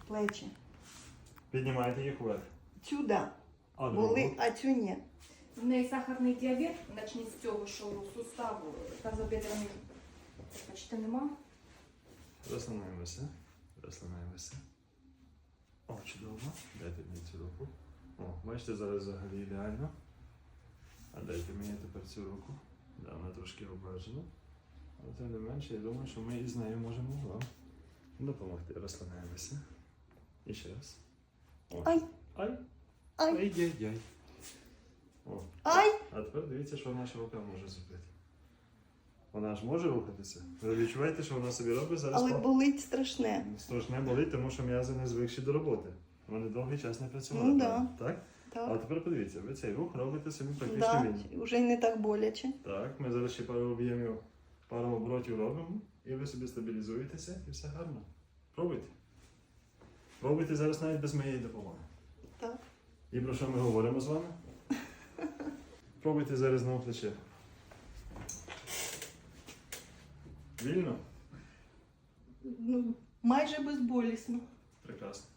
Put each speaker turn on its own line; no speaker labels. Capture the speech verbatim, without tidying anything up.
плечі.
Піднімайте їх вверх.
Цю да.
А
Були,
другу?
а цю ні.
В неї сахарний діабет, почніть з цього, що суставу тазобедрений почти нема.
Розслабляємося. Розслабляємося. О, чудово. Дайте мені цю руку. О, бачите, зараз взагалі ідеально. А дайте мені тепер цю руку. Да, вона трошки обмежена. Але тим не менше, я думаю, що ми із нею можемо вам допомогти. Розслабляємося. І ще раз. О.
Ай,
Ай.
ай,
Ай-яй-яй. О.
ай.
А тепер дивіться, що наша рука може зробити. Вона ж може рухатися. Ви відчуваєте, що вона собі робить зараз?
Але
по-
болить страшне.
Страшне болить, тому що м'язи не звикші до роботи. Вони довгий час не працювали.
Ну,
правильно? Так? А
Так.
тепер подивіться, ви цей рух робите собі практично
Да,
вільно.
вже й не так боляче.
Так, ми зараз ще пару об'ємів, пару оборотів робимо, і ви собі стабілізуєтеся, і все гарно. Пробуйте. Пробуйте зараз навіть без моєї допомоги.
Так.
І про що ми говоримо з вами? Пробуйте зараз на плече. Вільно?
Ну, майже безболісно.
Прекрасно.